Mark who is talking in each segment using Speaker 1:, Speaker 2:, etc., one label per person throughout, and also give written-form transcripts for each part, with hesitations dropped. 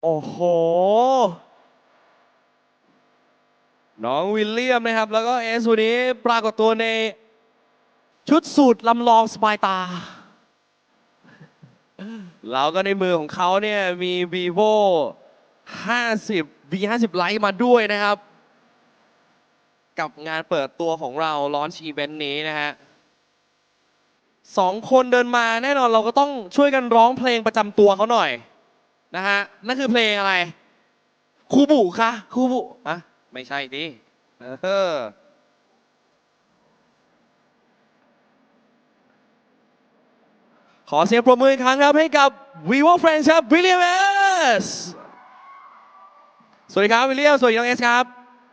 Speaker 1: โอ้โห น้องวิลเลียมนะครับ แล้วก็เอสวันนี้ปรากฏตัวในชุดสูทลำลองสบายตา แล้วก็ในมือของเขาเนี่ยมี vivo 50 V50 Lite มาด้วยนะครับ กับงานเปิดตัวของเราลอนช์อีเวนต์นี้นะฮะสองคนเดินมาแน่นอนเราก็ต้องช่วยกันร้องเพลงประจำตัวเขาหน่อยนะฮะนั่นคือเพลงอะไรคูบุคะคูบุอะไม่ใช่ดิขอเสียงปรบมืออีกครั้งครับให้กับ vivo friends ครับวิลเลียมเอสสวัสดีครับวิลเลียมสวัสดีน้องเอสครับ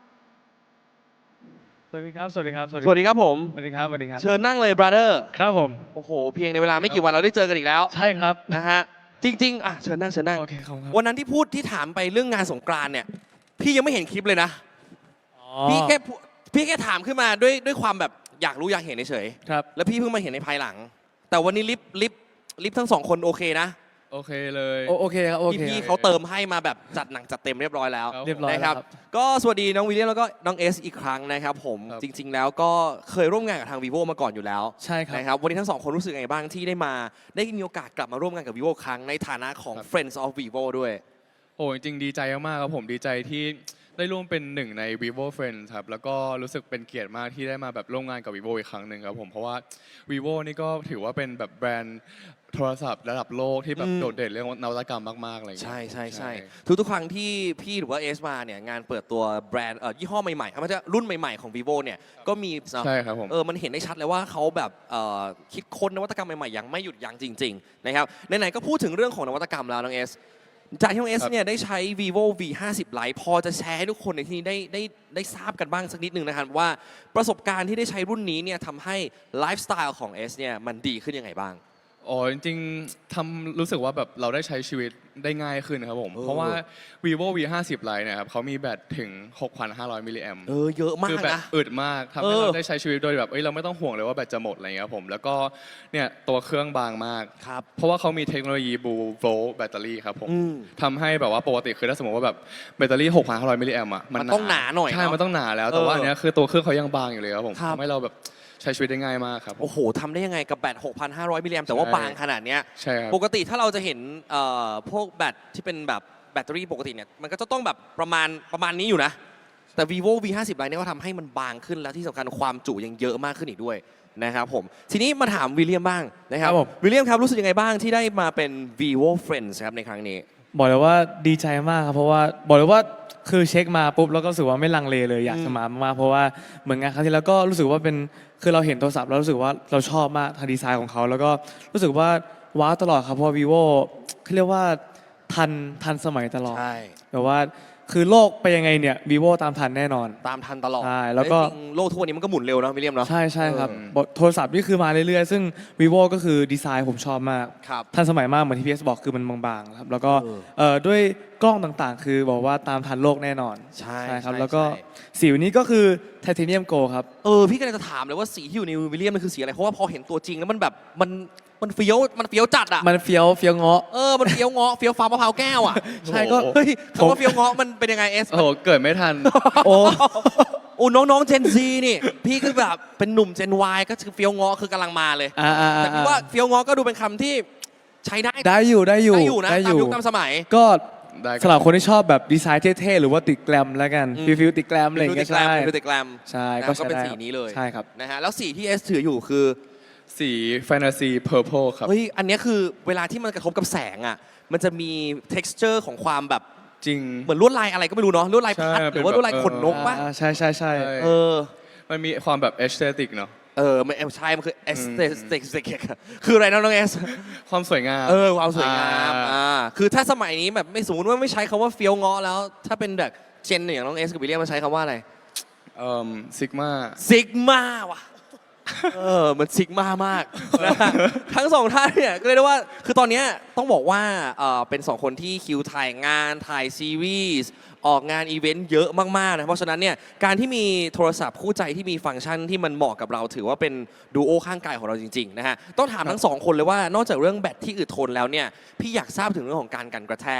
Speaker 2: สวัสดีครับ สวัสดีครับ
Speaker 1: สวัสดีครับผม
Speaker 2: สวัสดีครับ สวัสดีครับ
Speaker 1: เชิญนั่งเลย brother
Speaker 2: ครับผม
Speaker 1: โอ้โหเพียงในเวลาไม่กี่วันเราได้เจอกันอีกแล้ว
Speaker 2: ใช่ครับ
Speaker 1: นะฮะจริงๆอ่ะเชิญนั่งเชิญนั่ง
Speaker 2: โอเคครับ
Speaker 1: วันนั้นที่พูดที่ถามไปเรื่องงานสงกรานต์เนี่ยพี่ยังไม่เห็นคลิปเลยนะ
Speaker 2: อ๋อ
Speaker 1: พี่แค่ถามขึ้นมาด้วยความแบบอยากรู้อยากเห็นเฉย
Speaker 2: ครับ
Speaker 1: ๆแล้วพี่เพิ่งมาเห็นในภายหลัง แต่วันนี้ลิฟทั้งสองคนโอเคนะ
Speaker 2: โอเคเลย
Speaker 3: โอเคครับโอเค
Speaker 1: พี่เขาเติมให้มาแบบจัดหนังจัดเต็มเรียบร้อยแล้ว
Speaker 2: ครับ
Speaker 3: เรียบร้อย
Speaker 1: นะค
Speaker 3: แล้
Speaker 1: รั
Speaker 3: ว
Speaker 1: บ
Speaker 3: ครับ
Speaker 1: ก็สวัสดีน้องวิลเลียมแล้วก็น้องเอสอีกครั้งนะครับผม
Speaker 2: ครับ
Speaker 1: จริง ๆ แล้วก็เคยร่วมงานกับทาง vivo มาก่อนอยู่แล้ว
Speaker 3: ใช่ครับ
Speaker 1: นะครับวันนี้ทั้งสองคนรู้สึกไงบ้างที่ได้มีโอกาสกลับมาร่วมงานกับ vivo ครั้งในฐานะของ friends of vivo ด้วย
Speaker 2: โอ้จริงๆดีใจมากๆครับผมดีใจที่ได้ร่วมเป็นหนึ่งใน vivo friends ครับ แล้วก็รู้สึกเป็นเกียรติมากที่ได้มาแบบร่วมงานกับ vivo อีกครั้งหนึ่งครับผม เพราะว่า vivo นี่ก็ถือว่าเป็นแบบแบรนด์โทรศัพท์ระดับโลกที่แบบ
Speaker 1: อืม
Speaker 2: โดดเด่นเรื่องนวัตกรรมมากๆอะไรอย่างเงี้ย
Speaker 1: ใช่ทุกครั้งที่พี่หรือว่าเอสมาเนี่ยงานเปิดตัวแบรนด์ยี่ห้อใหม่ๆมันจะรุ่นใหม่ๆของ vivo เนี่ยก็มี
Speaker 2: ใช่ครับผม
Speaker 1: มันเห็นได้ชัดเลยว่าเขาแบบคิดค้นนวัตกรรมใหม่ๆอย่างไม่หยุดยั้งจริงๆนะครับไหนๆก็พูดถึงเรื่องของนวัตกรรมแล้วน้องเอสจากที่น้องเอส
Speaker 2: ครับ
Speaker 1: เนี่ยได้ใช้ vivo V50 Lite พอจะแชร์ให้ทุกคนในที่นี้ได้ทราบกันบ้างสักนิดนึงนะครับว่าประสบการณ์ที่ได้ใช้รุ่นนี้เนี่ยทำให้ไลฟ์สไตล์ของเอสเนี่ยมันดีขึ้นยังไงบ้าง
Speaker 2: อ๋อจริงๆรู้สึกว่าแบบเราได้ใช้ชีวิตได้ง่ายขึ้นครับผม เพราะว่า vivo V50 Lite เนี่ยครับเขามีแบตถึง 6,500 มิลลิแอม
Speaker 1: เยอะมา
Speaker 2: คื
Speaker 1: ก
Speaker 2: แบต
Speaker 1: นะ
Speaker 2: อึดมากทำให้
Speaker 1: เออ
Speaker 2: เราได้ใช้ชีวิตโดยแบบเราไม่ต้องห่วงเลยว่าแบตจะหมดอะไรเงี้ยครับผมแล้วก็เนี่ยตัวเครื่องบางมาก
Speaker 1: ครับ
Speaker 2: เพราะว่าเขามีเทคโนโลยีบูโวลต์แบตเตอรี่ครับผม
Speaker 1: อืม
Speaker 2: ทำให้แบบว่าปกติคือถ้าสมมติว่าแบบแบตเตอรี่ 6,500 มิลลิแอมอ่ะ
Speaker 1: มันต้องหนาหน่อย
Speaker 2: ใช่
Speaker 1: เนอะ
Speaker 2: มันต้องหนาแล้วแต่ว่าอันเนี้ยคือตัวเครื่องเขายังบางอยู่เลยครับผม
Speaker 1: ครับ
Speaker 2: ทำให้เราแบบใช้ชีวิตได้ง่ายมากครับ
Speaker 1: โอ้โหทำได้ยังไงกับแบต 6,500 มิลลิแอมแต่ว่า
Speaker 2: ใช่
Speaker 1: บางขนาดเนี้ย
Speaker 2: ใช่ครับ
Speaker 1: ปกติถ้าเราจะเห็นพวกแบตที่เป็นแบบแบตเตอรี่ปกติเนี่ยมันก็จะต้องแบบประมาณนี้อยู่นะ แต่ vivo V50 Lite เนี่ยก็ทำให้มันบางขึ้นแล้วที่สำคัญความจุยังเยอะมากขึ้นอีกด้วยนะครับผมทีนี้มาถามวิลเลียมบ้างนะครับ
Speaker 3: ครับผม
Speaker 1: วิลเลียมครับรู้สึกยังไงบ้างที่ได้มาเป็น vivo friends ครับในครั้งนี้
Speaker 3: บอกเลยว่าดีใจมากครับเพราะว่าบอกเลยว่าคือเช็คมาปุ๊บแล้วก็รู้สึกว่าไม่ลังเลเลยอยากจะมามากๆเพราะว่าเหมือนงานครั้งที่แล้วก็รู้สึกว่าเป็นคือเราเห็นโทรศัพท์แล้วรู้สึกว่าเราชอบมากทางดีไซน์ของเขาแล้วก็รู้สึกว่าว้าวตลอดครับเพราะว่า vivo เขาเรียกว่าทันสมัยตลอด
Speaker 1: ใช่
Speaker 3: แบบว่าคือโลกไปยังไงเนี่ย vivo ตามทันแน่นอน
Speaker 1: ตามทันตลอด
Speaker 3: ใช่แล้วก็
Speaker 1: จริงๆโลกทุกวันนี้มันก็หมุนเร็วนะวิลเลียมเนาะ
Speaker 3: ใช่ใช่ครับ
Speaker 2: เออ
Speaker 3: โทรศัพท์นี่คือมาเรื่อยๆ ซึ่ง vivo ก็คือดีไซน์ผมชอบมาก
Speaker 1: ครับ
Speaker 3: ทันสมัยมากเหมือนที่พีเอสบอกคือมันบางๆครับแล้วก็
Speaker 1: เออ
Speaker 3: ด้วยกล้องต่างๆ คือบอกว่าตามทันโลกแน่นอน
Speaker 1: ใช่
Speaker 3: ครับ
Speaker 1: ใช่
Speaker 3: แล้วก็
Speaker 1: ใช่
Speaker 3: สีวันนี้ก็คือไทเทเนียมโกครับ
Speaker 1: พี่ก็เลยจะถามเลยว่าสีที่อยู่ในวิลเลียมมันคือสีอะไร เพราะว่าพอเห็นตัวจริงแล้วมันแบบมันเฟี้ยวจัดอ่ะ
Speaker 3: มันเฟี้ยวเงาะ
Speaker 1: มันเฟี้ยวเงาะเฟี้ยวฟ้ามะพร้าวแก้วอ่ะ
Speaker 3: ใช่ก็
Speaker 1: เฮ้ยคำว่าเฟี้ยวเงาะมันเป็นยังไงเอส
Speaker 2: โอ้โหเกิดไม่ทัน
Speaker 3: โอ้
Speaker 1: โอ้น้องๆเจนซีนี่ พี่คือแบบเป็นหนุ่มเจน Y ก็คือเฟี้ยวเงาะคือกำลังมาเลย แต่พี่ว่าเฟี้ยวเงาะก็ดูเป็นคำที่ใช้ได้
Speaker 3: ได้อยู่
Speaker 1: นะตามยุคตามสมัย
Speaker 3: ก็
Speaker 2: ได้ครับ
Speaker 3: สำหรับคนที่ชอบแบบดีไซน์เท่ๆ หรือว่าติดแกรมแล้วกัน
Speaker 1: อืม
Speaker 3: ฟิลติดแกรมอะไรอย่าง
Speaker 1: ดู
Speaker 3: เงี้
Speaker 1: ติ
Speaker 3: ย
Speaker 1: ดแกร
Speaker 3: ใช่
Speaker 1: มดูติดแกรม
Speaker 3: ใช่
Speaker 1: นะ
Speaker 3: ก็
Speaker 1: ก็เป็น
Speaker 3: ใช้ได้
Speaker 1: สีนี้เลย
Speaker 3: ใช่ครับ
Speaker 1: นะฮะแล้วสีที่เอสถืออยู่คือ
Speaker 2: สีแฟนตาซีเพอร์เพลครับ
Speaker 1: เฮ้ยอันเนี้ยคือเวลาที่มันกระทบกับแสงอ่ะมันจะมี texture ของความแบบ
Speaker 2: จริง
Speaker 1: เหมือนลวดลายอะไรก็ไม่รู้เนาะลวดลายพัด
Speaker 2: ใช่
Speaker 1: หรือว่าลวดลายขนนกปะ
Speaker 3: ใช่
Speaker 1: เออ
Speaker 2: มันมีความแบบเอสเตติกเนาะ
Speaker 1: มันใช่มันคือ aesthetic คืออะไรนะน้องเอส
Speaker 2: ความสวยงาม
Speaker 1: ความสวยงาม คือถ้าสมัยนี้แบบไม่สมมติว่าไม่ใช้คำว่าเฟี้ยวเงาะแล้ว ถ้าเป็นแบบเจนอย่างน้องเอสกับวิลเลียมมันใช้คำว่าอะไร
Speaker 2: ซิกมา
Speaker 1: ซิกมาว่ะ มันซิกมามากนะฮะทั้งสองท่านเนี่ยก็เรียกได้ว่าคือตอนเนี้ยต้องบอกว่าเป็นสองคนที่คิวถ่ายงานถ่ายซีรีส์ออกงานอีเวนต์เยอะมากๆนะเพราะฉะนั้นเนี่ยการที่มีโทรศัพท์คู่ใจที่มีฟังก์ชันที่มันเหมาะกับเราถือว่าเป็นดูโอข้างกายของเราจริงๆนะฮะต้องถามทั้งสองคนเลยว่านอกจากเรื่องแบตที่อึดทนแล้วเนี่ยพี่อยากทราบถึงเรื่องของการกันกระแทก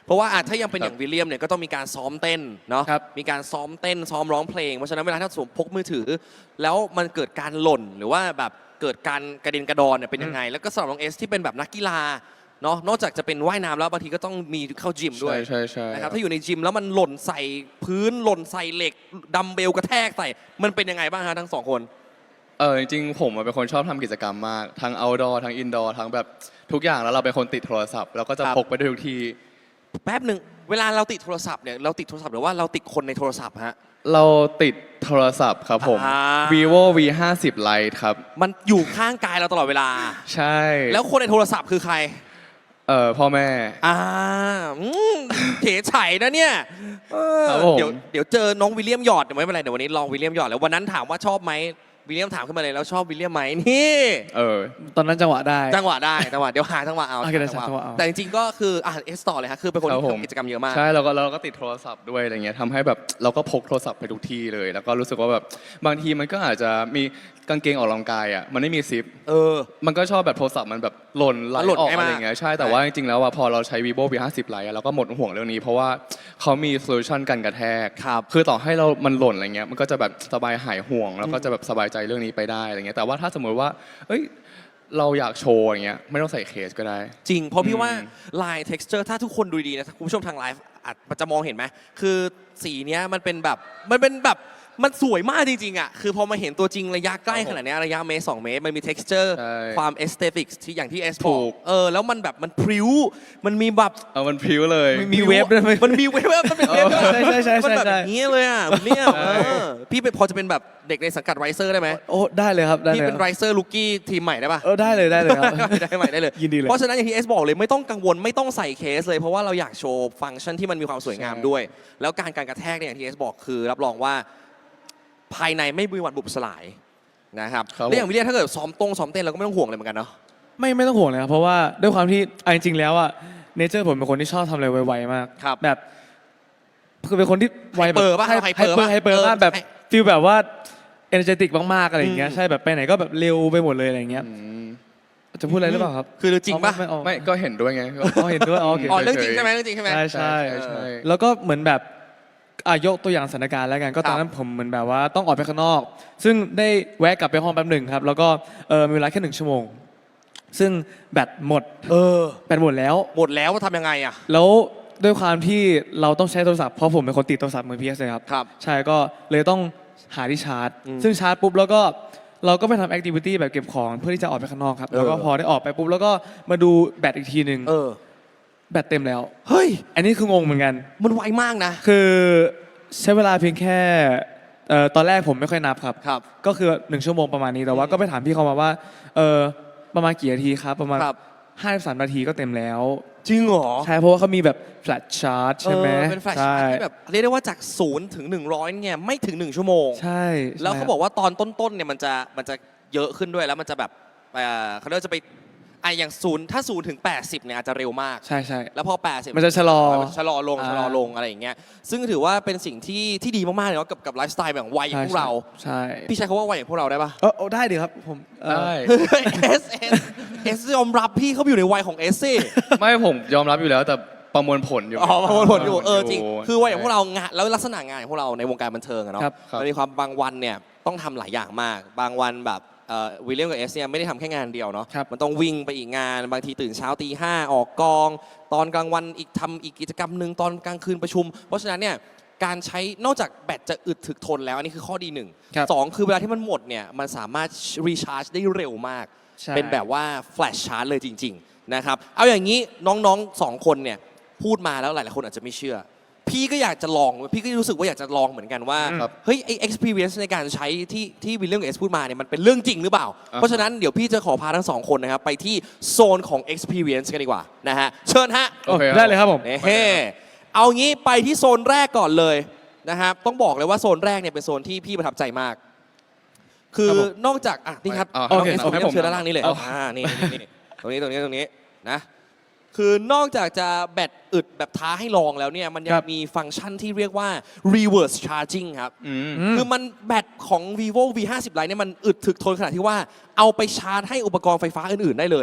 Speaker 1: เพราะว่าถ้ายังเป็นอย่างวิลเลียมเนี่ยก็ต้องมีการซ้อมเต้นเนาะ
Speaker 3: ครับ
Speaker 1: มีการซ้อมเต้นซ้อมร้องเพลงเพราะฉะนั้นเวลาถ้าสวมพกมือถือ แล้วมันเกิดการหล่นหรือว่าแบบเกิดการกระเด็นกระดอนเนี่ยเป็นยังไง แล้วก็สำหรับน้องเอสที่เป็นแบบนักกีฬาเนาะนอกจากจะเป็นว่ายน้ำแล้วบางทีก็ต้องมีเข้าจิมด้วย
Speaker 2: ใช่ใช่
Speaker 1: นะครับถ้าอยู่ในจิมแล้วมันหล่นใส่พื้นหล่นใส่เหล็กดัมเบลกระแทกใส่มันเป็นยังไงบ้างฮะทั้งสองคน
Speaker 2: จริงๆผมเป็นคนชอบทำกิจกรรมมากทั้ง outdoor ทั้ง indoor ทั้งแบบทุกอย่างแล้วเราเป็นคนติดโทรศัพท์เราก็จะ
Speaker 1: ครับ
Speaker 2: พกไปด้วยทุกที
Speaker 1: แป๊บหนึ่งเวลาเราติดโทรศัพท์เนี่ยเราติดโทรศัพท์หรือว่าเราติดคนในโทรศัพท์ฮะ
Speaker 2: เราติดโทรศัพท์ครับผม
Speaker 1: อ่า
Speaker 2: vivo v 5 0 lite ครับ
Speaker 1: มันอยู่ข้างกายเราตลอดเวลา
Speaker 2: ใช่
Speaker 1: แล้วคนในโทรศัพท์คือใคร
Speaker 2: พ่อแม่
Speaker 1: อ่าเฉยไฉนะเนี่ยเออ
Speaker 2: ครับผม
Speaker 1: เดี๋ยวเจอน้องวิลเลียมหยอดเดี๋ยวไม่เป็นไรเดี๋ยววันนี้ลองวิลเลียมหยอดแล้ววันนั้นถามว่าชอบไหมวิลเลียมถามขึ้นมาเลยแล้วชอบวิลเลียมไหมนี่
Speaker 3: ตอนนั้นจังหวะได้
Speaker 1: จังหวะได้จังหวะเดี๋ยวหาจังหวะเอา
Speaker 3: โอเคได้จังหวะเอา
Speaker 1: แต่จริงๆก็คือเอสต่อเลยฮะคือเป็นคน
Speaker 2: ครับ
Speaker 1: ที่
Speaker 2: ผม
Speaker 1: ทำกิจกรรมเยอะมาก
Speaker 2: ใช่เราก็ติดโทรศัพท์ด้วยอะไรเงี้ยทำให้แบบเราก็พกโทรศัพท์ไปทุกที่เลย แล้วก็รู้สึกว่าแบบบางทีมันก็อาจจะมีกางเกงออกกำลังกายอ่ะมันไม่มีซิป
Speaker 1: เออ
Speaker 2: มันก็ชอบแบบโทรศัพท์มันแบบหล่นไหล
Speaker 1: หล่น
Speaker 2: ออก
Speaker 1: ง่ายมาก
Speaker 2: อะไรเงี้ยใช่แต่ว่าจริงๆแล้วอะพอเราใช้ vivo v 5 0 lite อะเราก็หมดห่วงเรื่องนี้ เพราะว่าเขามีโซลูชันกันกระแทก
Speaker 1: ครับ
Speaker 2: คือต่อให้มันหล่นอะไรเงี้ยมันก็จะแบบสบายหายห่วง แล้วก็จะแบบสบายใจเรื่องนี้ไปได้อะไรเงี้ยแต่ว่าถ้าสมมติว่าเอ้ยเราอยากโชว์อย่างเงี้ยไม่ต้องใส่เคสก็ได้
Speaker 1: จริง เพราะพี่
Speaker 2: อืม
Speaker 1: ว่าลาย texture ถ้าทุกคนดูดีนะคุณผู้ชมทางไลฟ์อาจจะมองเห็นไหมคือสีเนี้ยมันเป็นแบบมันสวยมากจริงๆอ่ะคือพอมาเห็นตัวจริงระยะใกล้ขนาดเนี้ยระยะเมตร2 เมตรมันมี texture
Speaker 2: ใช่
Speaker 1: ความ aesthetics ที่อย่างที่เอส
Speaker 2: ถู
Speaker 1: บอก
Speaker 2: ก
Speaker 1: แล้วมันแบบมันพริ้วมันมีแบบ
Speaker 2: มันพริ้วเลย
Speaker 3: มีเวฟด้วยไหม
Speaker 1: มันมีเวฟมันเป็นเวฟด้วย
Speaker 3: ใช่
Speaker 1: มันแบบนี้เลยอ่ะเนี่ย
Speaker 2: ใช่
Speaker 1: พี่เป็นพอจะเป็นแบบเด็กในสังกัดไรเซอร์ได้ไหม
Speaker 3: โอ้ได้เลยครับได้
Speaker 1: พี่
Speaker 3: เลย
Speaker 1: เป็นไรเซอร์ลูกี้ทีมใหม่ได้ปะ
Speaker 3: ได้เลยได้เลยครับ
Speaker 1: ได้ใหม่ได้เลย
Speaker 3: ยินดีเลย
Speaker 1: เพราะฉะนั้นอย่างที่เอสบอกเลยไม่ต้องกังวลไม่ต้องใส่เคสเลยเพราะว่าเราอยากโชว์ฟังก์ชันที่มันมีความสวยงามด้วย แล้วการกระแทกเนี่ยอย่างที่เอสบอกคือรับรองว่าภายในไม่มีวันบุบสลายนะครับ
Speaker 2: ครับ
Speaker 1: แล้วอย่างวิลเลียมถ้าเกิดซ้อมเต้นเราก็ไม่ต้องห่วงเลยเหมือนกันเนาะ
Speaker 3: ไม่ต้องห่วงเลยครับเพราะว่าด้วยความที่เอาจริงๆแล้วอะเนเจอร์ผมเป็นคนที่ชอบทำอะไรไวๆมาก
Speaker 1: ครับ
Speaker 3: แบบคือเป็นคนที่ไวแบบ
Speaker 1: ไฮเปอร์ป่ะ
Speaker 3: ไฮ
Speaker 1: ไฮ
Speaker 3: เป
Speaker 1: เป
Speaker 3: อ
Speaker 1: อร์
Speaker 3: ร์
Speaker 1: ป่ะ
Speaker 3: ไฮเปอร์มากแบบ
Speaker 1: เออ
Speaker 3: ฟีลแบบว่าเอเนอร์เจติกมากๆอะไรอย่างเงี้ย
Speaker 1: อืม
Speaker 3: ใช่แบบไปไหนก็แบบเร็วไปหมดเลยอะไรอย่างเงี้ย
Speaker 2: อืม
Speaker 3: จะพูดอะไรหรือเปล่าครับ
Speaker 1: คือจริงป่ะ
Speaker 2: ไม่ก็เห็นด้วยไง
Speaker 3: เห็นด้วยโอเค
Speaker 1: อ๋อเรื่องจริงใช่ไหมเรื่องจริงใช่ไหม
Speaker 3: ใช่
Speaker 2: ใช่
Speaker 3: ใช่แล้วก็เหมือนแบบยกตัวอย่างสถานการณ์แล้วกันก็ตอนนั้นผมเหมือนแบบว่าต้องออกไปข้างนอก ซึ่งได้แวะกลับไปห้องแป๊บหนึ่งครับ แล้วก็มีเวลาแค่1 ชั่วโมง ซึ่งแบตหมดแบตหมดแล้ว
Speaker 1: หมดแล้วว่าทำยังไงอ่ะ
Speaker 3: แล้วด้วยความที่เราต้องใช้โทรศัพท์เพราะผมเป็นคนติดโทรศัพท์มือ PS เลยครับ
Speaker 1: ครับ
Speaker 3: ใช่ก็เลยต้องหาที่ชาร์จ
Speaker 1: อืม
Speaker 3: ซึ่งชาร์จปุ๊บแล้วก็เราก็ไปทำแอคทิวิตี้แบบเก็บของเพื่อที่จะออกไปข้างนอกครับแล้วก็พอได้ออกไปปุ๊บแล้วก็มาดูแบตอีกทีหนึ่งแบตเต็มแล้ว
Speaker 1: เฮ้ย
Speaker 3: อันนี้คืองงเหมือนกัน
Speaker 1: มันไวมากนะ
Speaker 3: คือใช้เวลาเพียงแค่ตอนแรกผมไม่ค่อยนับครับ
Speaker 1: ครับ
Speaker 3: ก็คือ1 ชั่วโมงประมาณนี้แต่ว่าก็ไปถามพี่เขามาว่าประมาณกี่นาทีครับประมาณ
Speaker 1: ครับ
Speaker 3: 53 นาทีก็เต็มแล้ว
Speaker 1: จริงเหรอ
Speaker 3: ใช่เพราะว่าเขามีแบบแฟลชชาร์จใช่ไหม
Speaker 1: เป็นแฟลช
Speaker 3: ใช่
Speaker 1: ชาร์จที่แบบเรียกได้ว่าจาก0ถึง100เนี่ยไม่ถึง1 ชั่วโมง
Speaker 3: ใช่
Speaker 1: แล้วเขาบอกว่าตอนต้นๆเนี่ยมันจะเยอะขึ้นด้วยแล้วมันจะแบบเขาเรียกว่าจะไปอย่าง0ถ้า0ถึง80เนี่ยอาจจะเร็วมาก
Speaker 3: ใช่ใช่
Speaker 1: แล้วพอ80
Speaker 3: มันจะชะลอ
Speaker 1: มันชะลอลง
Speaker 3: อ่า
Speaker 1: ชะลอลงอะไรอย่างเงี้ยซึ่งถือว่าเป็นสิ่งที่ดีมากๆเลยเนาะกับไลฟ์สไตล์แบบวัยอย่างพวกเรา
Speaker 3: ใช่
Speaker 1: พี่ใช้คำว่าวัยอย่างพวกเราได้ปะ
Speaker 3: ได้ดีครับผม
Speaker 2: ได้
Speaker 1: เอสยอมรับพี่เขาไปอยู่ในวัยของเอสซี่
Speaker 2: ไม่ผมยอมรับอยู่แล้วแต่ประมวลผลอยู่
Speaker 1: อ๋อประมวลผลอยู่จริงคือวัยอย่างพวกเรางานแล้วลักษณะงานของพวกเราในวงการบันเทิงอะเนาะ
Speaker 3: ครับ
Speaker 1: มันมีความบางวันเนี่ยต้องทำหลายอย่างมาก บางวันแบบวิลเลียมกับเอสเนี่ยไม่ได้ทำแค่งานเดียวเนาะ
Speaker 3: ครับ
Speaker 1: มันต้องวิ่งไปอีกงานบางทีตื่นเช้าตี 5ออกกอง ตอนกลางวันทำอีกกิจกรรมหนึ่งตอนกลางคืนประชุม เพราะฉะนั้นเนี่ยการใช้นอกจากแบตจะอึดถึกทนแล้วอันนี้คือข้อดีหนึ่ง
Speaker 3: ครับ
Speaker 1: สองคือเวลาที่มันหมดเนี่ยมันสามารถรีชาร์จได้เร็วมาก
Speaker 3: ใช่
Speaker 1: เป็นแบบว่าแฟลชชาร์จเลยจริงๆนะครับเอาอย่างนี้น้องๆสองคนเนี่ยพูดมาแล้วหลายๆคนอาจจะไม่เชื่อ พี่ก็อยากจะลองพี่ก็รู้สึกว่าอยากจะลองเหมือนกันว่า
Speaker 2: ครับ
Speaker 1: เฮ้ยไอ experience ในการใช้ที่วิลเลียมกับเอสพูดมาเนี่ยมันเป็นเรื่องจริงหรือเปล่า เพราะฉะนั้นเดี๋ยวพี่จะขอพาทั้งสองคนนะครับไปที่โซนของ experience กันดีกว่านะฮะเชิญฮะ
Speaker 2: โอเค
Speaker 3: ได้เลยครับผม
Speaker 1: เฮ้เอางี้ไปที่โซนแรกก่อนเลยนะครับต้องบอกเลยว่าโซนแรกเนี่ยเป็นโซนที่พี่ประทับใจมาก คือ
Speaker 3: ครับผม
Speaker 1: นอกจากนี่ครับ
Speaker 2: เอา
Speaker 1: น้อง
Speaker 3: โอเค
Speaker 1: เอส
Speaker 3: เอาให้ผม
Speaker 1: เชิญด้านล่างนี้เลย
Speaker 3: เอา
Speaker 1: นี่ตรงนี้นะคือนอกจากจะแบตอึดแบบท้าให้ลองแล้วเนี่ยมันยั
Speaker 3: ค
Speaker 1: ง
Speaker 3: รับ
Speaker 1: มีฟังก์ชันที่เรียกว่า reverse charging ครับ
Speaker 2: อืม
Speaker 1: คือมันแบตของ vivo v 5 0 lite เนี่ยมันอึดถึกทนขนาดที่ว่าเอาไปชาร์จให้อุปกรณ์ไฟฟ้าอื่นๆได้เลย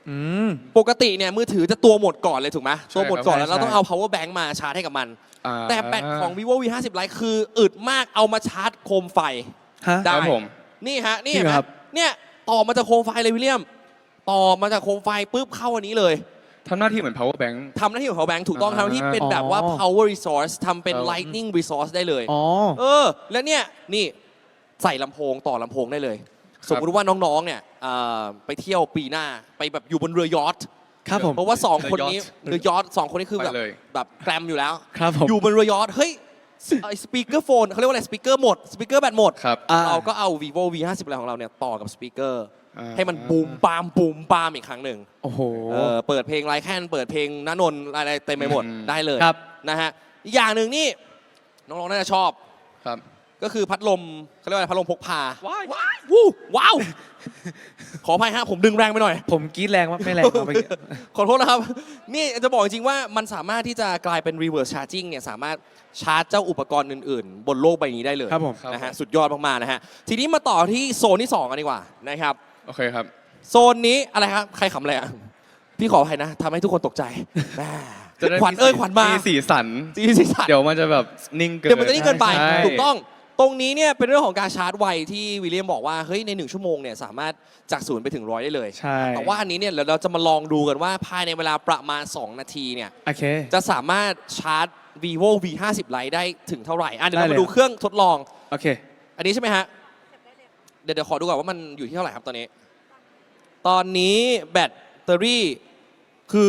Speaker 3: อืม
Speaker 1: ปกติเนี่ยมือถือจะตัวหมดก่อนเลยถูกไหม
Speaker 2: ใช่
Speaker 1: ตัวหมดก่อน
Speaker 3: ครับ
Speaker 1: แล้วเรา
Speaker 3: ใช่
Speaker 1: ต้องเอา power bank มาชาร์จให้กับมัน
Speaker 2: อ่า
Speaker 1: แต่แบตของ vivo v 50 lite คืออึดมากเอามาชาร์จโคมไฟ
Speaker 3: ฮะ
Speaker 1: ได้
Speaker 2: ครับผม
Speaker 1: นี่ฮะนี่
Speaker 3: จริ
Speaker 1: เห็น
Speaker 3: ง
Speaker 1: ไหม
Speaker 3: เหรอครับ
Speaker 1: เนี่ยต่อมาจากโคมไฟเลยวิลเลียม ต่อมาจากโคมไฟปุ๊บเข้าอันนี้เลย
Speaker 2: ทำหน้าที่เหมือน power bank
Speaker 1: ทำหน้าที่ของ power bank ถูกต้อง
Speaker 2: อ่า
Speaker 1: ทำหน้าที่เป็นแบบว่า power resource ทำเป็น lightning resource ได้เลย
Speaker 3: อ๋อ
Speaker 1: แล้วเนี่ยนี่ใส่ลำโพงต่อลำโพงได้เลย สมมติว่าน้องๆเนี่ยไปเที่ยวปีหน้าไปแบบอยู่บนเรือยอท
Speaker 3: ครับผม
Speaker 1: เพราะว่า 2 คนนี้
Speaker 2: เรือยอท
Speaker 1: เรือยอท2 คนนี้คือแบบ
Speaker 2: ไปเลย
Speaker 1: แบบแกรมอยู่แล้ว
Speaker 3: ครับผม
Speaker 1: อยู่บนเรือยอทเฮ้ยสปีกเกอร์โฟนเขาเรียกว่าอะไรสปีกเกอร์หมดสปีกเกอร์แบตหมด
Speaker 2: ครับ
Speaker 3: อ่า
Speaker 1: เราก็เอา vivo v 50อะไรของเราเนี่ยต่อกับสปีกเกอร์
Speaker 2: อ่า
Speaker 1: ให้มันบูมปามบูมปามอีกครั้งหนึ่ง
Speaker 3: โอ้โห
Speaker 1: เปิดเพลงไลแคนเปิดเพลงณนนท์อะไรเต็มไปหมด
Speaker 2: อืม
Speaker 1: ได้เลย
Speaker 3: ครับ
Speaker 1: นะฮะอีกอย่างหนึ่งนี่น้องๆน่าจะชอบ
Speaker 2: ครับ
Speaker 1: ก็คือพัดลมเขาเรียกว่าอะไรพัดลมพกพา
Speaker 2: ว้าย
Speaker 1: วู้ว้าว ขออภัยฮะผมดึงแรงไปหน่อย
Speaker 3: ผมกรีดแรงว่าไม่แรงครับเมื่อกี้
Speaker 1: ขอโทษนะครับ นี่จะบอกจริงๆว่ามันสามารถที่จะกลายเป็น reverse charging เนี่ยสามารถชาร์จเจ้าอุปกรณ์อื่นๆ บนโลกใบนี้ได้เลย
Speaker 3: ครับผม
Speaker 1: นะฮะสุดยอดมากๆนะฮะทีนี้มาต่อที่โซนที่ 2 กันดีกว่านะครับ
Speaker 2: โอเคครับ
Speaker 1: โซนนี้อะไรครับ ใครขำอะไรอ่ะพี่ขออภัยนะทำให้ทุกคนตกใจแม่
Speaker 2: จะได้
Speaker 1: ขวัญเอ้ยขวัญมา
Speaker 2: สีสัน
Speaker 1: จีสีสัน
Speaker 2: เดี๋ยวมันจะแบบนิ่งเกิน
Speaker 1: เดี๋ยวมันจะนี่เกินไป
Speaker 2: ใช่
Speaker 1: ถูกต้อง ตรงนี้เนี่ยเป็นเรื่องของการชาร์จไวที่วิลเลียมบอกว่าเฮ้ยใน1 ชั่วโมงเนี่ยสามารถจาก0ไปถึง100ได้เลย
Speaker 3: ใช่
Speaker 1: แต่ว่าอันนี้เนี่ยเดี๋ยวเราจะมาลองดูกันว่าภายในเวลาประมาณ 2 นาทีเนี่ย
Speaker 3: โอเค
Speaker 1: จะสามารถชาร์จ vivo v 50 lite ได้ถึงเท่าไหร่เดี๋ยวเรา
Speaker 3: ได้เลย
Speaker 1: มาดูเครื่องทดลอง
Speaker 3: โอเค
Speaker 1: อันนี้ใช่ไหมฮะ เดี๋ยวขอดูก่อนว่ามันอยู่ที่เท่าไหร่ครับตอนนี้ ตอนนี้แบตเตอรี่คือ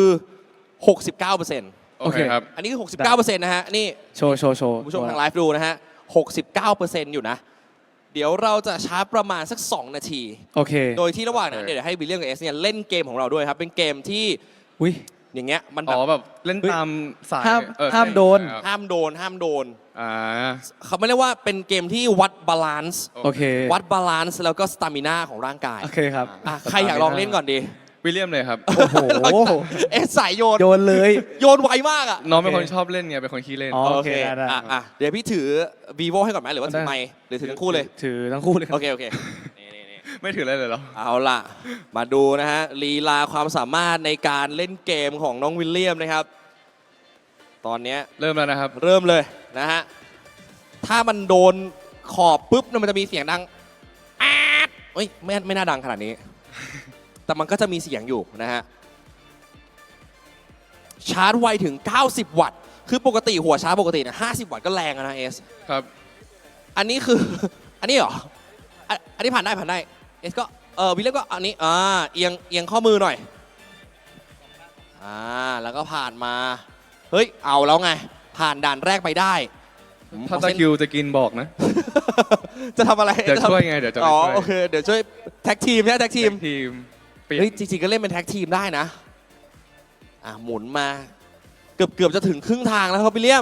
Speaker 1: 69%
Speaker 2: โอเคครับ
Speaker 1: อันนี้คือ 69%นะฮะ นี่
Speaker 3: โชว์
Speaker 1: คุณผู้ชมทางไลฟ์ดูนะฮะ 69%อยู่นะ เดี๋ยวเราจะชาร์จประมาณสัก 2 นาที
Speaker 3: โอเค
Speaker 1: โดยที่ระหว่างนั้น
Speaker 2: โอเค
Speaker 1: เดี๋ยวให้วิลเลียมกับเอสเนี่ยเล่นเกมของเราด้วยครับ เป็นเกมที่
Speaker 3: อุ้ย
Speaker 1: อย่างเงี้ยมันแบ
Speaker 2: อ๋
Speaker 1: บ
Speaker 2: อแบบเล่นตามสาย
Speaker 3: ห้าม
Speaker 2: เออ
Speaker 3: ห้ามโดน
Speaker 2: ครับ
Speaker 1: ห้ามโดนห้ามโดน
Speaker 2: อ่า
Speaker 1: เขาไม่เรียกว่าเป็นเกมที่วัดบาลานซ์
Speaker 3: โอเค
Speaker 1: วัดบาลานซ์แล้วก็สตามินาของร่างกาย
Speaker 3: โอเคครับ
Speaker 1: ใครอยากลองเล่นก่อนดี
Speaker 2: วิลเลียมเลยครับ
Speaker 3: โอ้โห
Speaker 1: เอะสายโยน
Speaker 3: โยนเลย
Speaker 1: โยนไวมากอ่ะ
Speaker 2: น้องเป็นคนชอบเล่นไงเป็นคนขี้เล่น
Speaker 3: อ๋อ โเคได้
Speaker 1: เดี๋ยวพี่ถือ vivo ให้ก่อนไหมหรือว่าถือ
Speaker 3: ได้
Speaker 1: ไมค์หรือถือทั้งคู่เลย
Speaker 3: ถือทั้งคู่เลยครั
Speaker 1: โอบ เคนี่
Speaker 2: ไม่ถืออะไรเลยเหรอ
Speaker 1: เอาล่ะ มาดูนะฮะลีลาความสามารถในการเล่นเกมของน้องวิลเลียมนะครับ ตอนเนี้ย
Speaker 2: เริ่มแล้วนะครับ
Speaker 1: เริ่มเลยนะฮะ ถ้ามันโดนขอบปุ๊บเนี่ยมันจะมีเสียงดังแอดเฮ้ยไม่น่าดังขนาดนี้ แต่มันก็จะมีเสียงอยู่นะฮะ ชาร์จไวถึง 90 วัตต์ คือปกติหัวชาร์จปกติเนี่ย50 วัตต์ก็แรงแล้วนะเอส
Speaker 2: ครับ
Speaker 1: อันนี้คือ อันนี้เหรอ อันนี้ผ่านได้เอสก็วิลเลียมก็อันนี้เอียงข้อมือหน่อยแล้วก็ผ่านมา เฮ้ยเอาแล้วไง ผ่านด่านแรกไปได้
Speaker 2: ถ้าตะคริวจะกินบอกนะ
Speaker 1: จะทำอะไร
Speaker 2: เดี๋ยวช่วยไงเดี๋ยวจะไป
Speaker 1: อ๋อ
Speaker 2: ช่วย
Speaker 1: โอเคเดี๋ยวช่วยแท็กทีมใช่ไหมแท็กทีม
Speaker 2: ทีมเปลี่ยน
Speaker 1: เฮ้ยจริงๆก็เล่นเป็นแท็กทีมได้นะหมุนมาเกือบจะถึงครึ่งทางแล้วครับวิลเลียม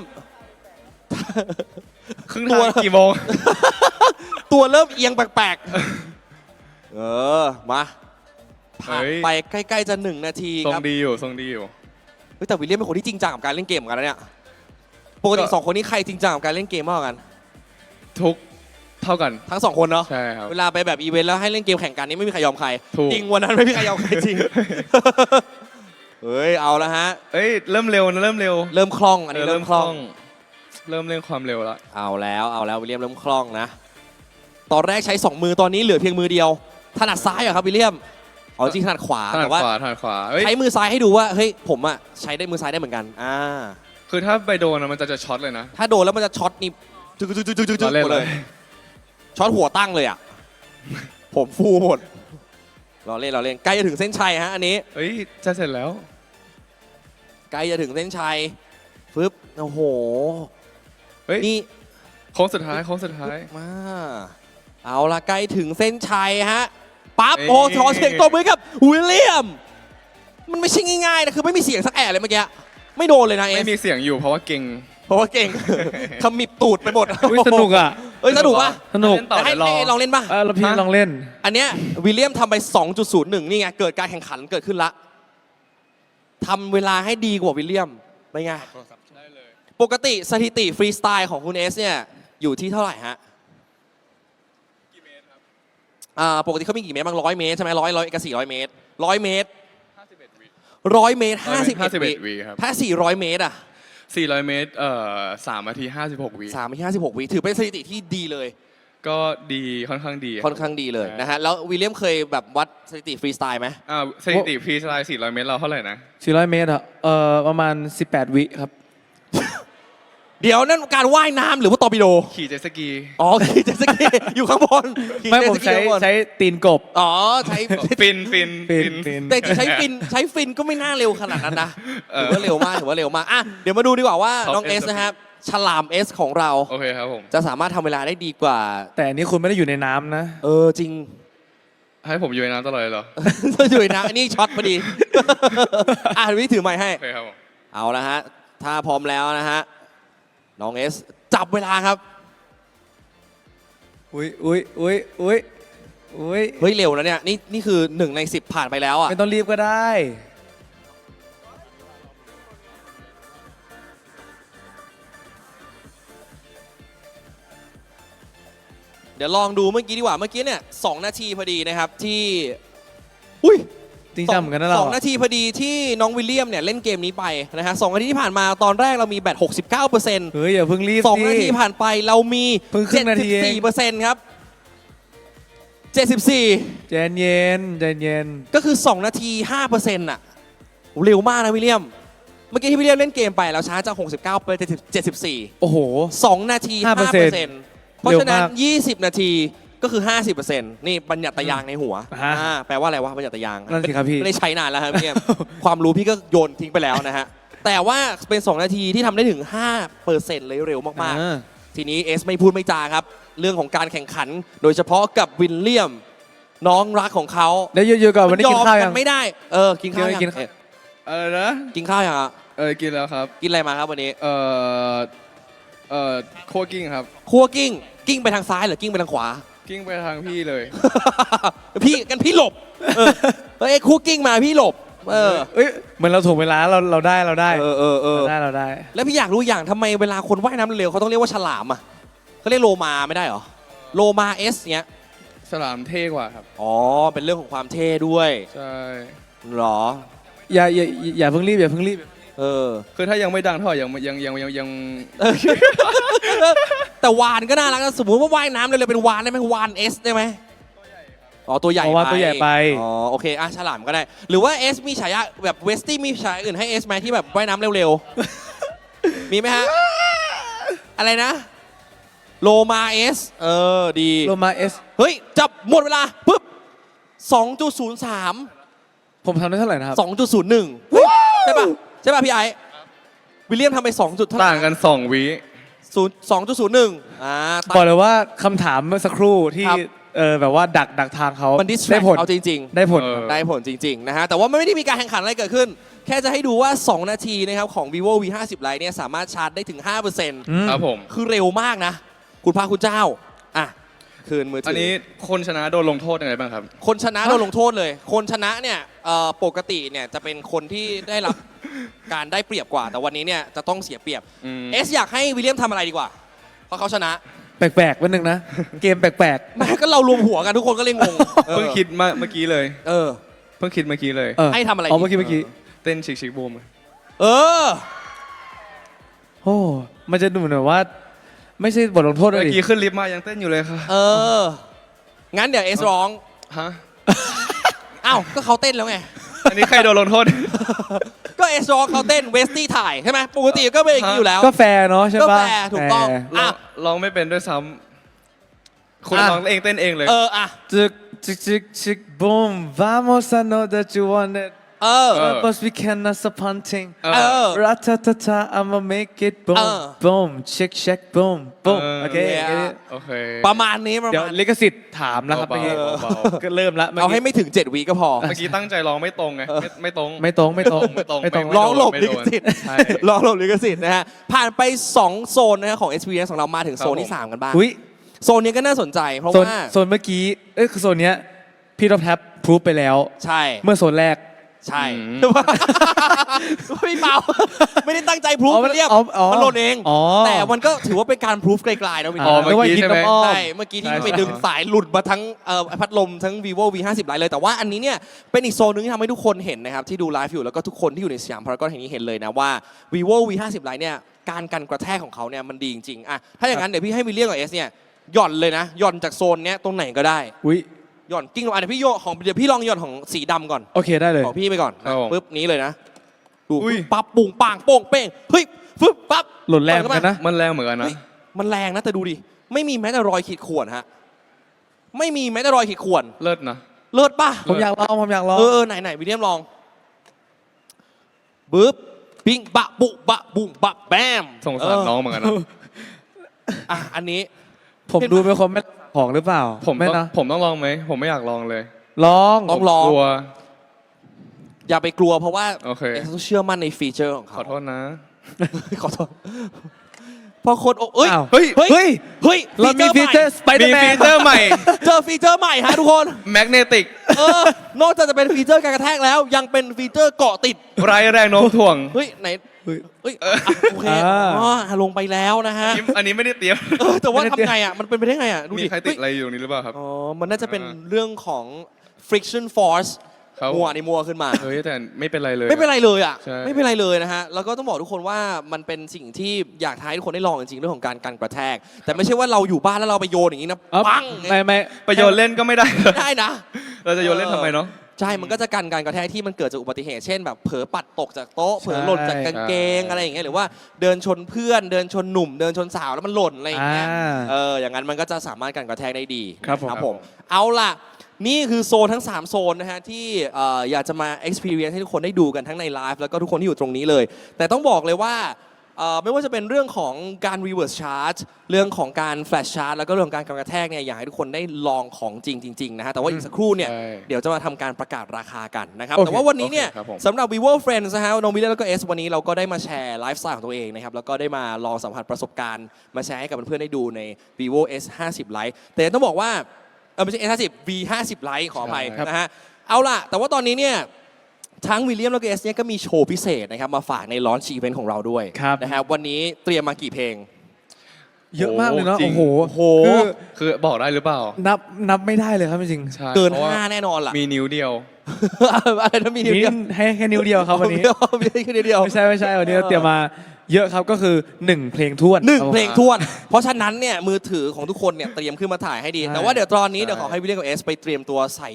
Speaker 2: ครึ่งทางกี่โมง
Speaker 1: ตัวเริ่มเอียงแปลกๆมาผ่าน
Speaker 2: เฮ้ย
Speaker 1: ไปใกล้ๆจะ1 นาที
Speaker 2: ทรง
Speaker 1: ครับ
Speaker 2: ดีอยู่ทรงดีอยู่
Speaker 1: เฮ้ยแต่วิลเลียมเป็นคนที่จริงจังกับการเล่นเกมเหมือนกันนะเนี่ยปกติ
Speaker 2: ก็
Speaker 1: 2 คนนี้ใครจริงจังกับการเล่นเกมมากกว่ากัน
Speaker 2: ทุกเท่ากัน
Speaker 1: ทั้ง 2 คนเนาะ
Speaker 2: ใช่ครับ
Speaker 1: เวลาไปแบบอีเวนต์แล้วให้เล่นเกมแข่งกันนี่ไม่มีใครยอมใคร
Speaker 2: ถูก
Speaker 1: จริงวันนั้นไม่มีใครยอมใครจริง เฮ้ยเอาละฮะ
Speaker 2: เอ้ยเริ่มเร็วนะเริ่มเร็ว
Speaker 1: เริ่มคล่องอันนี้เริ่มคล่อง
Speaker 2: เริ่มเล่นความเร็วแล้ว
Speaker 1: เอาแล้ววิลเลียมเริ่มคล่องนะ ตอนแรกใช้ 2 มือตอนนี้เหลือเพียงมือเดียว ถนัดซ้ายเหรอครับวิลเลียมเอาจริงถนัดขวา
Speaker 2: ถนัด
Speaker 1: แต่ว่า
Speaker 2: ขวาถนัดขวาเอ้ย
Speaker 1: ใช้มือซ้ายให้ดูว่าเฮ้ยผมอะใช้ได้มือซ้ายได้เหมือนกัน
Speaker 2: คือถ้าไปโดนอะมันจะช็อตเลยนะ
Speaker 1: ถ้าโดนแล้วมันจะช็อตนี่จึ๊ก
Speaker 2: เราเล่น
Speaker 1: หมด
Speaker 2: เล
Speaker 1: เลย ยช็อตหัวตั้งเลยอะผมฟูหมดเราเล่นใกล้จะถึงเส้นชัยฮะอันนี้
Speaker 2: เอ้ยจะเสร็จแล้ว
Speaker 1: ใกล้จะถึงเส้นชัยฟึบโอ้โห
Speaker 2: เฮ้ย
Speaker 1: นี่
Speaker 2: โค้งสุดท้ายโค้งสุดท้าย
Speaker 1: มาเอาละใกล้ถึงเส้นชัยฮะปั๊บ
Speaker 2: เอ้ย
Speaker 1: โอ้ขอเสียงตบมือกับวิลเลียม มันไม่ใช่ง่ายๆนะคือไม่มีเสียงสักแอะเลยเมื่อกี้ไม่โดนเลยนะเอ
Speaker 2: ไม่
Speaker 1: ส
Speaker 2: มีเสียงอยู่เพราะว่าเก่ง
Speaker 1: เพราะว่าเก่ง ขมิบตูดไปหมด
Speaker 3: อุ้ยสนุกอ่ะ
Speaker 1: เอ้ยสนุกป่ะ
Speaker 3: สนุก
Speaker 2: เล่นต่อ
Speaker 1: ให้
Speaker 2: เดี๋ยวรอ
Speaker 1: ให้ลองเล่นป่ะ
Speaker 3: แล้วพี่
Speaker 2: ฮะ
Speaker 3: ลองเล่น
Speaker 1: อันเนี้ยวิลเลียมทำไป 2.01 นี่ไงเกิดการแข่งขันเกิดขึ้นละทำเวลาให้ดีกว่าวิลเลียมเป็นไง
Speaker 2: ได้เลย
Speaker 1: ปกติสถิติฟรีสไตล์ของคุณเอสเนี่ยอยู่ที่เท่าไหร่ฮะ
Speaker 2: กี่เมตรครับ
Speaker 1: ปกติเขามีกี่เมตรบ้าง100 เมตรใช่ไหม100กับ400 เมตร100 เมตร 100 เมตร 51 วิ
Speaker 2: วิครับ
Speaker 1: ถ้า 400 เมตรอ่ะ
Speaker 2: 400 เมตร3 นาที 56 วิ
Speaker 1: 3 นาที 56 วิ ถือเป็นสถิติที่ดีเลย
Speaker 2: ก็ดีค่อนข้างดี
Speaker 1: ค่อนข้างดีเลย
Speaker 2: ใช่
Speaker 1: นะฮะ แล้ววิลเลียมเคยแบบวัดสถิติฟรีสไตล์ไหม
Speaker 2: สถิติฟรีสไตล์400 เมตรเราเท่าไหร่นะ
Speaker 3: 400 เมตรอะประมาณ 18 วิครับ
Speaker 1: เดี๋ยวนั่นการว่ายน้ำหรือว่าตอร์ปิโด
Speaker 2: ขี่เจ็ตสกี
Speaker 1: อ๋อขี่เจ็ตสกีอยู่ข้างบนขี่
Speaker 3: ไม่
Speaker 1: เจ็ต
Speaker 3: ผม
Speaker 1: สกี
Speaker 3: ใช้
Speaker 1: ข้างบน
Speaker 3: ใช้ตีนกบ
Speaker 1: อ๋อใช้
Speaker 2: ฟิน
Speaker 1: แต่ใช้ฟินก็ไม่น่าเร็วขนาดนั้นนะถือว่าเร็วมากถือว่าเร็วมากอ่ะเดี๋ยวมาดูดีกว่าว่าน้องเอสนะครับฉลามเอสของเรา
Speaker 2: โอเคครับผม
Speaker 1: จะสามารถทำเวลาได้ดีกว่า
Speaker 3: แต่อันนี้คุณไม่ได้อยู่ในน้ำนะ
Speaker 1: จริง
Speaker 2: ให้ผมอยู่ในน้ำตลอดเลยเหรอ
Speaker 1: อยู่นะอันนี้ช็อตพอดี อ่ะวิถือไม้ให้
Speaker 2: โอเคครับผม
Speaker 1: เอาละฮะถ้าพร้อมแล้วนะฮะน้องเอสจับเวลาครับ
Speaker 3: อุ้ยอุ้ย
Speaker 1: เฮ้ยเร็วแล้วเนี่ยนี่คือ1 ใน 10ผ่านไปแล้วอ่ะ
Speaker 3: ไม่ต้องรีบก็ได้
Speaker 1: เดี๋ยวลองดูเมื่อกี้ดีกว่าเมื่อกี้เนี่ย2 นาทีพอดีนะครับที่อุ้ย
Speaker 3: จริงจังเหมือนกันนะเรา
Speaker 1: 2 นาทีพอดีที่น้องวิลเลียมเนี่ยเล่นเกมนี้ไปนะฮะ2 นาทีที่ผ่านมาตอนแรกเรามีแบต 69%
Speaker 3: เฮ้ยอย่าเพิ่งรีบ
Speaker 1: 2 นาทีผ่านไปเรามี
Speaker 3: เพิ่งครึ่งนาทีเอง
Speaker 1: 74%ครับ 74
Speaker 3: ใจเย็นใจเย็น
Speaker 1: ก็คือ 2 นาที 5%น่ะเร็วมากนะวิลเลียม เมื่อกี้ที่วิลเลียมเล่นเกมไปเราช้าจาก 69 ไป 74
Speaker 3: โอ้โห
Speaker 1: 2 นาที 5% เพราะฉะนั้น
Speaker 3: เร็วมาก
Speaker 1: 20 นาทีก็คือ 50%นี่บัญญัติยางในหัว
Speaker 3: ฮะ
Speaker 1: แปลว่าอะไรวะบัญญัติยาง
Speaker 3: นั่นสิครับพี่
Speaker 1: ไม่ได้ใช้นานแล้วครับพี่เอ็ม ความรู้พี่ก็โยนทิ้งไปแล้วนะฮะ แต่ว่าเป็น 2 นาทีที่ทำได้ถึง 5%เลยเร็วมาก
Speaker 3: อ่า
Speaker 1: ๆ ทีนี้เอสไม่พูดไม่จาครับ เรื่องของการแข่งขัน โดยเฉพาะกับวิลเลียม น้องรักของเขา
Speaker 3: เดี๋ยวอยู่ๆก่อนวันนี้กินข้าวยัง
Speaker 1: มันไม่ได้ กินข้าวยัง
Speaker 3: กินข้าว
Speaker 2: อะไรนะ
Speaker 1: กินข้าวยังอะ
Speaker 2: กินแล้วครับ
Speaker 1: กินอะไรมาครับวันนี้
Speaker 2: โคกิ้งครับ
Speaker 1: คั่วกิ้งไปทางซ้ายหรือกิ้งไปทางขวา
Speaker 2: กิ้งไปทางพี่เลย
Speaker 1: พี่หลบเอ้ยคั่วกิ้งมาพี่หลบ
Speaker 3: เอ้ยเหมือนเราถ่วงเวลาเราได้เราได้ เราได้
Speaker 1: แล้วพี่อยากรู้อย่างทำไมเวลาคนว่ายน้ำเร็วเขาต้องเรียกว่าฉลามอ่ะเขาเรียกโลมาไม่ได้เหรอโลมาเอสเนี้ย
Speaker 2: สลามเท่กว่าครับ
Speaker 1: อ๋อเป็นเรื่องของความเท่ด้วย
Speaker 2: ใช่
Speaker 1: เหรอ
Speaker 3: อย่าเพิ่งรีบอย่าเพิ่งรีบ
Speaker 2: คือถ้ายังไม่ดังเท่าไหร่ยัง
Speaker 1: แต่วานก็น่ารักนะสมมติว่าว่ายน้ำเร็วๆเป็นวานได้ไหมวานเอสได้ไหมอ๋อตัวใหญ่
Speaker 3: เพราะว่าตัวใหญ่ไป
Speaker 1: อ๋อโอเคฉลามก็ได้ หรือว่าเอสมีฉายาแบบเวสตี้มีฉายาอื่นให้เอสไหมที่แบบว่ายน้ำเร็วๆ มีไหมฮะ อะไรนะโลมาเอสดี
Speaker 3: โลมาเอส
Speaker 1: เฮ้ยจับหมดเวลาปุ๊บ 2.03
Speaker 3: ผมทำได้เท่าไหร่นะครับ
Speaker 1: 2.01ใช่ป่ะพี่ไอซ์วิลเลียมทำไป2จุดเท่าไหร่
Speaker 2: ต่างกัน 2 วิ
Speaker 1: 2.01
Speaker 3: บอกเลยว่าคำถามเมื่อสักครู่ที่
Speaker 1: ครับ
Speaker 3: แบบว่าดักทางเขา
Speaker 1: มันดิสแทร
Speaker 3: ได้
Speaker 1: ก
Speaker 3: ผล
Speaker 1: เอาจริง
Speaker 3: ได้ผล
Speaker 1: ได้ผลจริงๆนะฮะแต่ว่ามันไม่ได้มีการแข่งขันอะไรเกิดขึ้น แค่จะให้ดูว่า 2 นาทีนะครับของ vivo v 5 0 Lite เนี่ยสามารถชาร์จได้ถึง 5%
Speaker 2: ครับผม
Speaker 1: คือเร็วมากนะ คุณพระคุณเจ้าคืนมือถื
Speaker 2: อันนี้คนชนะโดนลงโทษยังไงบ้างครับ
Speaker 1: คนชนะโดนลงโทษเลย คนชนะเนี่ยปกติเนี่ยจะเป็นคนที่ได้รับ การได้เปรียบกว่า แต่วันนี้เนี่ยจะต้องเสียเปรียบ เอสอยากให้วิลเลียมทำอะไรดีกว่า เพราะเขาชนะ
Speaker 3: แปลกๆวันหนึ่งนะ เกมแปลก
Speaker 1: แม่ก็เรารวมหัวกันทุกคนก็เลยงง
Speaker 2: เพิ่งคิดมาเมื่อกี้เลย
Speaker 1: เออ
Speaker 2: เพิ่งคิดเมื่อกี้เลย
Speaker 3: ๆ
Speaker 1: ให้ทำอะไรดี
Speaker 3: เมื่อกี้
Speaker 2: เต้นชิกบูม
Speaker 1: เออ
Speaker 3: โอ้มันจะดูเหมือนว่า ไม่ใช่บทลงโทษเล
Speaker 2: เมื่
Speaker 3: ย
Speaker 2: อกี้ขึ้นลิฟต์มายังเต้นอยู่เลยค่ะ
Speaker 1: งั้นเดี๋ยวเอสร้อง
Speaker 2: ฮะ
Speaker 1: อ้าว ก็เขาเต้นแล้วไง
Speaker 2: อันนี้ใครโดนลงโทษ
Speaker 1: ก็เอสร้องเขาเต้นเวสตี้ถ่ายใช่ไหมปกติก็เป็นอย่างนี้อยู่แล้ว
Speaker 3: ก็แฟร์เนาะใช่
Speaker 1: ก็
Speaker 3: ปะ
Speaker 1: แฟร์ถูกต้อง
Speaker 3: แฟร์
Speaker 2: ร้องไม่เป็นด้วยซ้ำคุณร้องเองเต้นเองเลย
Speaker 3: จึกจึก boom vamos I know that you want it but we cannot stop hunting ratatata I'ma make it boom boom check boom boom โอเค
Speaker 2: โอเค
Speaker 1: ประมาณนี้ประ
Speaker 3: เดี๋ยว
Speaker 1: มาณ
Speaker 3: ลิขสิทธิ์ถามแล้วครับ
Speaker 2: เบา
Speaker 3: เมื่อกี้
Speaker 2: ๆเบา
Speaker 3: ก็เริ่มละ
Speaker 1: เอาให้ไม่ถึง 7 วิก็พอ
Speaker 2: ๆเมื่อกี้ตั้งใจร้องไม่ตรงไงไม่ตรง
Speaker 3: ไม่ตรง
Speaker 2: ไม่ตรง
Speaker 1: ร้องหลบ
Speaker 2: ไม่
Speaker 1: ลิ
Speaker 2: โด
Speaker 1: ข
Speaker 2: น
Speaker 1: สิทธิ์
Speaker 2: ใช่
Speaker 1: ร้องหลบลิขสิทธิ์นะฮะ ผ่านไป 2 โซนนะฮะของ Experience ของเรามาถึงโซนที่ 3 กันบ้าง
Speaker 3: อุ้ย
Speaker 1: โซนนี้ก็น่าสนใจเพราะ
Speaker 3: โซน
Speaker 1: ว่า
Speaker 3: โซนเมื่อกี้คือโซนเนี้ยพี่ท็อปแท็บพรูฟไปแล้ว
Speaker 1: ใช่
Speaker 3: เมื่อโซนแรก
Speaker 4: ใช่
Speaker 2: อืม
Speaker 4: ไม่เปล่า ไม่ได้ตั้งใจพรูฟ
Speaker 3: อ๋อมัน
Speaker 4: เรียบ
Speaker 3: อ๋ออ๋อ
Speaker 4: มันหล่นเอง
Speaker 3: อ๋อ
Speaker 4: แต่มันก็ถือว่าเป็นการพรูฟไกลๆนะวิน
Speaker 2: อ๋อเมื่อกี้
Speaker 3: นึว่า
Speaker 2: ใช่ไหม
Speaker 3: น้ำอ้อม
Speaker 4: ใช่เมื่อกี้ที่
Speaker 3: ใช่
Speaker 4: ไปดึงสายหลุดมาทั้งพัดลมทั้ง vivo v 50 Lite เลยแต่ว่าอันนี้เนี่ยเป็นอีกโซนหนึงที่ทำให้ทุกคนเห็นนะครับที่ดูไลฟ์อยู่แล้วก็ทุกคนที่อยู่ในสยามพารากอนแห่งนี้เห็นเลยนะว่า vivo v 50 Lite เนี่ยการกันกระแทกของเขาเนี่ยมันดีจริงๆอ่ะถ้าอย่างนั้นเดี๋ยวพี่ให้วิลเลียมกับเอสเนี่ยหย่อนเลยนะหย่อนจากโซนเนี้ยตรงไหนก็ได้
Speaker 3: อุ้ย
Speaker 4: หย่อนกิ้งลงมาเดี๋ยวพี่โยนของเดี๋ยวพี่ลองหย่อนของสีดำก่อน
Speaker 3: โอเคได้เลย
Speaker 4: ของพี่ไปก่อน
Speaker 2: ครับผม
Speaker 4: ปึ๊บนี้เลยนะดู
Speaker 2: อุ้ย
Speaker 4: ปั๊บปุ้งปังโป้งเป้งเฮ้ยฟึบปั๊บ
Speaker 3: หล่นแรงเหมือนกันนะ
Speaker 2: มันแรงเหมือนกันนะ
Speaker 4: เฮ้ยมันแรงนะแต่ดูดิไม่มีแม้แต่รอยขีดข่วนฮะไม่มีแม้แต่รอยขีดข่วน
Speaker 2: เลิศนะ
Speaker 4: เลิศป่ะ
Speaker 3: ผมอยากลองผมอยากลอง
Speaker 4: ไหนวิลเลียมลองปึ๊บปิ้งบะบุบะบุ้งบะแบม
Speaker 2: สงสารน้องเหมือนกันนะ
Speaker 4: อ่ะอันนี้
Speaker 3: ผมดูเป็นคนไม่ของหรือเปล่า
Speaker 2: ผม
Speaker 3: ไม่
Speaker 2: ต้อง
Speaker 3: นะ
Speaker 2: ผมต้องลองไหมผมไม่อยากลองเลย
Speaker 3: ลอง
Speaker 4: ต้องลอง
Speaker 2: กลัว
Speaker 4: อย่าไปกลัวเพราะว่า
Speaker 2: โอเค
Speaker 4: ต้องเชื่อมั่นในฟีเจอร์ของ
Speaker 2: ข
Speaker 4: เขา
Speaker 2: อโทษนะ
Speaker 4: ขอโทษพอคนเอ้ย
Speaker 3: อ้าว
Speaker 2: เฮ้ย
Speaker 4: เฮ้ย
Speaker 3: เฮ้ย
Speaker 4: เฮ้ย
Speaker 3: เรามีฟีเจอร์สไปเดอ
Speaker 2: มี
Speaker 3: ร์แม
Speaker 2: ฟี
Speaker 3: น
Speaker 2: เจอร์ใหม่
Speaker 4: เจอฟีเจอร์ใหม่ฮะทุกคน
Speaker 2: แมกเนติก
Speaker 4: นอกจากจะเป็นฟีเจอร์การกระแทกแล้ว ยังเป็นฟีเจอร์เกาะติด
Speaker 2: ไร้แรงโน้มถ่วง
Speaker 4: เฮ้ยไหน
Speaker 3: เฮ้ย
Speaker 4: เฮ้ยโอเค
Speaker 3: อ่า
Speaker 4: อ๋อลงไปแล้วนะฮะ
Speaker 2: อันนี้ไม่ได้เตรียม
Speaker 4: แต่ว่าทำไงอ่ะมันเป็นไปได้ไงอ่ะดู
Speaker 2: มี
Speaker 4: ดิ
Speaker 2: ใครติดอะไรอยู่นี่หรือเปล่าครับ
Speaker 4: อ๋อมันน่าจะเป็น
Speaker 2: อ่า
Speaker 4: เรื่องของ friction force
Speaker 2: ครับ
Speaker 4: มัวในมัวขึ้นมา
Speaker 2: เฮ้ยแต่ไม่เป็นไรเลย
Speaker 4: ไม่เป็นไรเลยอ่ะ
Speaker 2: ใช่
Speaker 4: ไม่เป็นไรเลยนะฮะแล้วก็ต้องบอกทุกคนว่ามันเป็นสิ่งที่อยากให้ทุกคนได้ลองจริงๆเรื่องของการกันกระแทก แต่ไม่ใช่ว่าเราอยู่บ้านแล้วเราไปโยนอย่างนี้นะ
Speaker 3: เอ้า
Speaker 4: ปัง
Speaker 3: ไม่
Speaker 2: ไปโยนเล่นก็ไม่ได้
Speaker 4: ไม่ได้นะ
Speaker 2: เราจะโยนเล่นทำไมเนาะ
Speaker 4: ใช่ มันก็จะกันการกระแทกที่มันเกิดจากอุบัติเหตุ เช่นแบบเผลอปัดตกจากโต๊ะ เผลอหล่นจากกางเกง
Speaker 2: ใช่
Speaker 4: อะไรอย่างเงี้ย หรือว่าเดินชนเพื่อน เดินชนหนุ่ม เดินชนสาวแล้วมันหล่นอะไรอย่างเงี้ย อย่างนั้นมันก็จะสามารถกันกระแทกได้ดี
Speaker 3: ครับผม
Speaker 4: ผม เอาล่ะ นี่คือโซนทั้ง 3 โซนนะฮะที่อยากจะมา experience ให้ทุกคนได้ดูกันทั้งในไลฟ์แล้วก็ทุกคนที่อยู่ตรงนี้เลย แต่ต้องบอกเลยว่าไม่ว่าจะเป็นเรื่องของการ reverse charge เรื่องของการ flash charge แล้วก็เรื่องของการกระแทกเนี่ยอยากให้ทุกคนได้ลองของจริงๆนะฮะแต่ว่าอีกสักครู่เนี่ย
Speaker 2: ใช่
Speaker 4: เดี๋ยวจะมาทำการประกาศราคากันนะครับ
Speaker 3: โอเค
Speaker 4: แต่ว่าวันนี้เนี่ย
Speaker 2: โอเคครับผม
Speaker 4: สำหรับ vivo friends นะฮะน้องวิลเลียมแล้วก็เอสวันนี้เราก็ได้มาแชร์ไลฟ์สไตล์ของตัวเองนะครับแล้วก็ได้มาลองสัมผัสประสบการณ์มาแชร์ให้กับเพื่อนๆได้ดูใน vivo s 50 lite แต่ต้องบอกว่าไม่ใช่ s 50 v 50 lite ขออภัย
Speaker 2: ครับ
Speaker 4: นะฮะเอาล่ะ แต่ว่าตอนนี้เนี่ยทั้งวิลเลียมแล้วก็เอสเนี่ยก็มีโชว์พิเศษนะครับมาฝากในลอนช์อีเวนต์ของเราด้วย
Speaker 3: ครับ
Speaker 4: นะครับวันนี้เตรียมมากี่เพลง
Speaker 3: เยอะมากเลยเนาะ
Speaker 2: จริง
Speaker 3: โอ้โห
Speaker 4: โอ้โห
Speaker 3: คือ
Speaker 2: คือบอกได้หรือเปล่า
Speaker 3: นับไม่ได้เลยครับจริง
Speaker 2: ใช่
Speaker 4: เกิน
Speaker 2: พราะว่า
Speaker 4: 5 แน่นอนล่ะ
Speaker 2: มีนิ้วเดียว
Speaker 4: อะไรนะมี
Speaker 3: ๆ
Speaker 4: นิ้ว
Speaker 3: นี่
Speaker 4: เดียว
Speaker 3: ให้แค่นิ้วเดียวครับวันนี้
Speaker 4: มีแค่นิ้วเดียว
Speaker 3: ไม่ใช่วันนี้เราเตรียมมาเยอะครับก็คือ 1 เพลงท้วน
Speaker 4: หนึ่ง
Speaker 3: ครับผม
Speaker 4: เพลงท้วน เพราะฉะนั้นเนี่ยมือถือของทุกคนเนี่ยเตรียมขึ้นมาถ่ายให้ดี
Speaker 2: ใช่
Speaker 4: แต่ว่าเดี๋ยวตอนนี้
Speaker 2: ใช่
Speaker 4: เดี๋ยวขอให้วิลเลียมกับเอสไปเตรียมตัวใส่